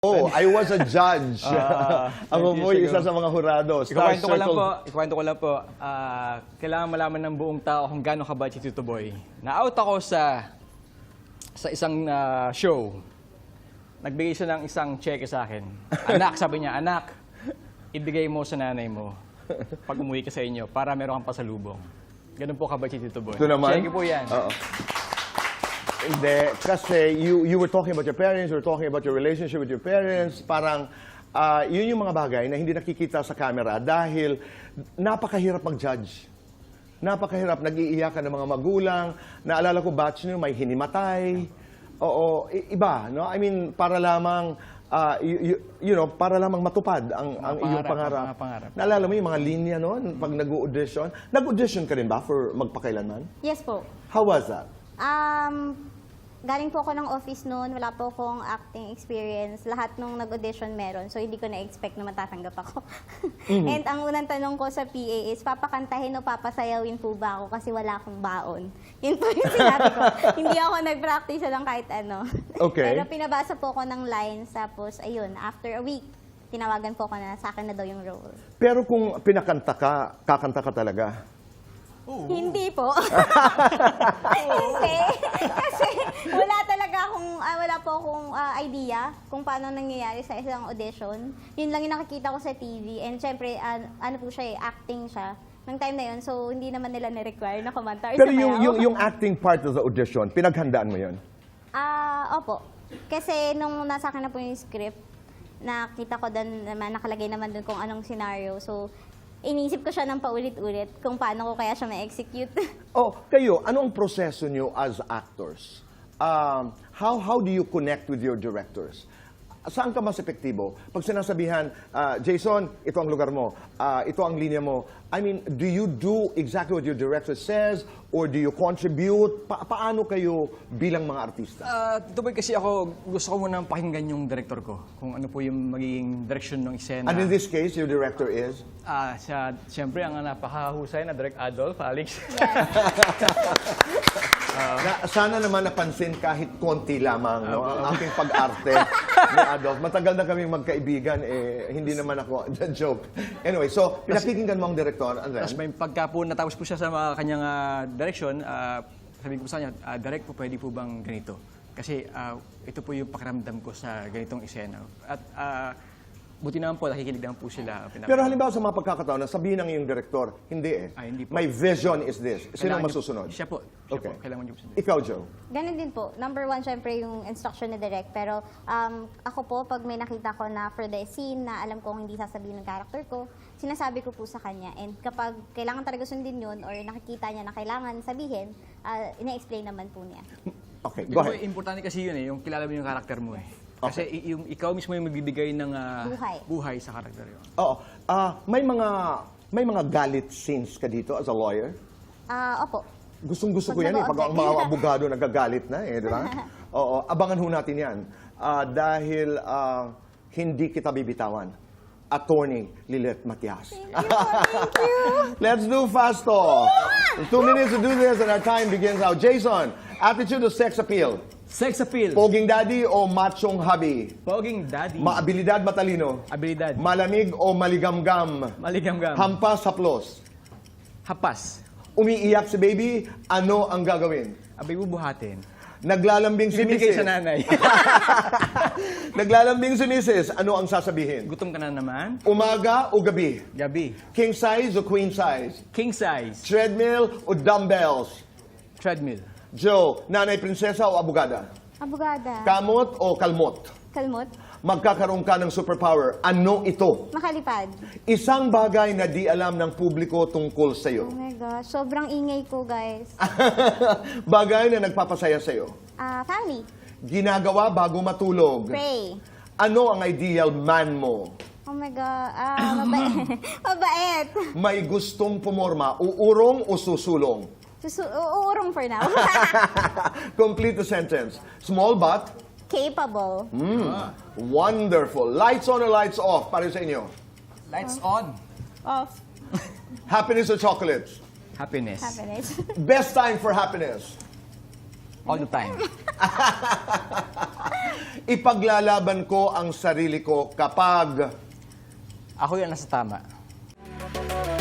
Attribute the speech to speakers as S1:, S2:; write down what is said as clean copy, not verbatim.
S1: Oh, I was a judge. Ako po isa sa mga hurado.
S2: Ikukwento ko lang po. Kailangan malaman ng buong tao kung gaano kabait si Tito Boy. Na-out ako sa isang show. Nagbigay siya ng isang cheque sa akin. Anak, sabi niya, anak, ibigay mo sa nanay mo pag umuwi ka sa inyo para meron kang pasalubong. Ganun po kabait si Tito Boy.
S1: Ito naman?
S2: Cheque po yan.
S1: Oo. Hindi, kasi you were talking about your parents, you were talking about your relationship with your parents. Parang yun yung mga bagay na hindi nakikita sa camera dahil napakahirap mag-judge. Napakahirap. Nag-iiyakan ng mga magulang. Naalala ko, batch nyo, may hinimatay. Oo, iba, no? I mean, para lamang, para lamang matupad ang iyong pangarap.
S2: Mga pangarap.
S1: Naalala mo yung mga linya, no? Pag nag-audition. Nag-audition ka rin ba for magpakailanman?
S3: Yes po.
S1: How was that?
S3: Galing po ako ng office noon, wala po akong acting experience. Lahat nung nag-audition meron, so hindi ko na-expect na matatanggap ako. And ang unang tanong ko sa PA is, papakantahin o papasayawin po ba ako kasi wala akong baon? Yun po yung sinabi ko. Hindi ako nag-practice lang kahit ano.
S1: Okay.
S3: Pero pinabasa po ako ng lines, tapos ayun, after a week, tinawagan po ako na sa akin na daw yung role.
S1: Pero kung pinakanta ka, kakanta ka talaga?
S3: Hindi po. Hindi. Kasi wala po akong idea kung paano nangyayari sa isang audition. Yun lang yung nakikita ko sa TV. And syempre, ano po siya acting siya. Nang time na yun, so hindi naman nila na-require na kumanta.
S1: Pero yung acting part of the audition, pinaghandaan mo yun?
S3: Opo. Kasi nung nasa akin na po yung script, nakita ko doon naman, nakalagay naman doon kung anong scenario. So, inisip ko siya ng paulit-ulit kung paano ko kaya siya ma-execute.
S1: Oh, kayo, ano ang proseso nyo as actors? How do you connect with your directors? Saan ka mas epektibo? Pag sinasabihan, Jason, ito ang lugar mo, ito ang linya mo. I mean, do you do exactly what your director says or do you contribute? Paano kayo bilang mga artista?
S2: Tito Boy, kasi ako, gusto ko munang pakinggan yung director ko. Kung ano po yung magiging direction ng eksena.
S1: And in this case, your director is?
S2: Siyempre, ang napakahusay na Direk Adolf, Alex.
S1: Sana naman napansin kahit konti lamang ang aking pag-arte ni Adolf. Matagal na kaming magkaibigan, hindi naman ako, joke. Anyway, so pinakikinggan mo ang director, and then?
S2: Tapos may pagka po natapos po siya sa kanyang direction, sabi ko po sa kanya, Direk po, pwede po bang ganito? Kasi ito po yung pakiramdam ko sa ganitong eksena. At buti naman po, nakikinig naman po sila.
S1: Pero halimbawa sa mga pagkakataon, sabihin ng iyong director, hindi eh.
S2: Hindi po.
S1: My vision is this. Sino ang masusunod?
S2: Siya po.
S1: Okay.
S2: Kailangan niyo po sunod.
S1: Ikaw, Joe?
S3: Ganun din po. Number one, syempre, yung instruction ni Direk. Pero ako po, pag may nakita ko na for the scene na alam kong hindi sasabihin ng character ko, sinasabi ko po sa kanya. And kapag kailangan talaga sundin yun or nakikita niya na kailangan sabihin, ina-explain naman po niya.
S1: Okay, go ahead.
S2: Importante kasi yun yung kilala mo yung character mo eh. Kasi yung ikaw mismo yung magbibigay ng buhay sa karakter yun.
S1: Oo. May mga galit scenes ka dito as a lawyer?
S3: Opo.
S1: Gustong-gusto ko yan eh. Pag ang mga abogado nagagalit na eh, di ba? Oo, abangan ho natin yan. Dahil hindi kita bibitawan. Attorney Lilet Matias.
S3: Thank you.
S1: Let's do fast talk. 2 minutes to do this and our time begins now. Jason, attitude or sex appeal?
S2: Sex appeal.
S1: Poging daddy o machong hubby?
S2: Poging daddy.
S1: Maabilidad, matalino?
S2: Abilidad.
S1: Malamig o maligamgam?
S2: Maligamgam.
S1: Hampas, haplos?
S2: Hapas.
S1: Umiiyak si baby, ano ang gagawin?
S2: Abay bubuhatin.
S1: Naglalambing si
S2: Ibibigay
S1: misis.
S2: sa nanay.
S1: Naglalambing si misis, ano ang sasabihin?
S2: Gutom ka na naman.
S1: Umaga o gabi?
S2: Gabi.
S1: King size o queen size?
S2: King size.
S1: Treadmill o dumbbells?
S2: Treadmill.
S1: Joe, nanay prinsesa o abogada?
S3: Abogada.
S1: Kamot o kalmot?
S3: Kalmot.
S1: Magkakaroon ka ng superpower. Ano ito?
S3: Makalipad.
S1: Isang bagay na di alam ng publiko tungkol
S3: Oh
S1: sa'yo.
S3: my gosh. Sobrang ingay ko, guys.
S1: Bagay na nagpapasaya sa'yo.
S3: Family.
S1: Ginagawa bago matulog.
S3: Pray.
S1: Ano ang ideal man mo?
S3: Oh my God. Mabait. Mabait.
S1: May gustong pumorma, uurong o susulong?
S3: Uurong for now.
S1: Complete the sentence. Small but
S3: Capable.
S1: wonderful. Lights on or lights off para sa inyo?
S2: Lights on.
S3: Off.
S1: Happiness or chocolates?
S2: Happiness.
S3: Happiness.
S1: Best time for happiness?
S2: All the time.
S1: Ipaglalaban ko ang sarili ko kapag...
S2: Ako yung nasa tama.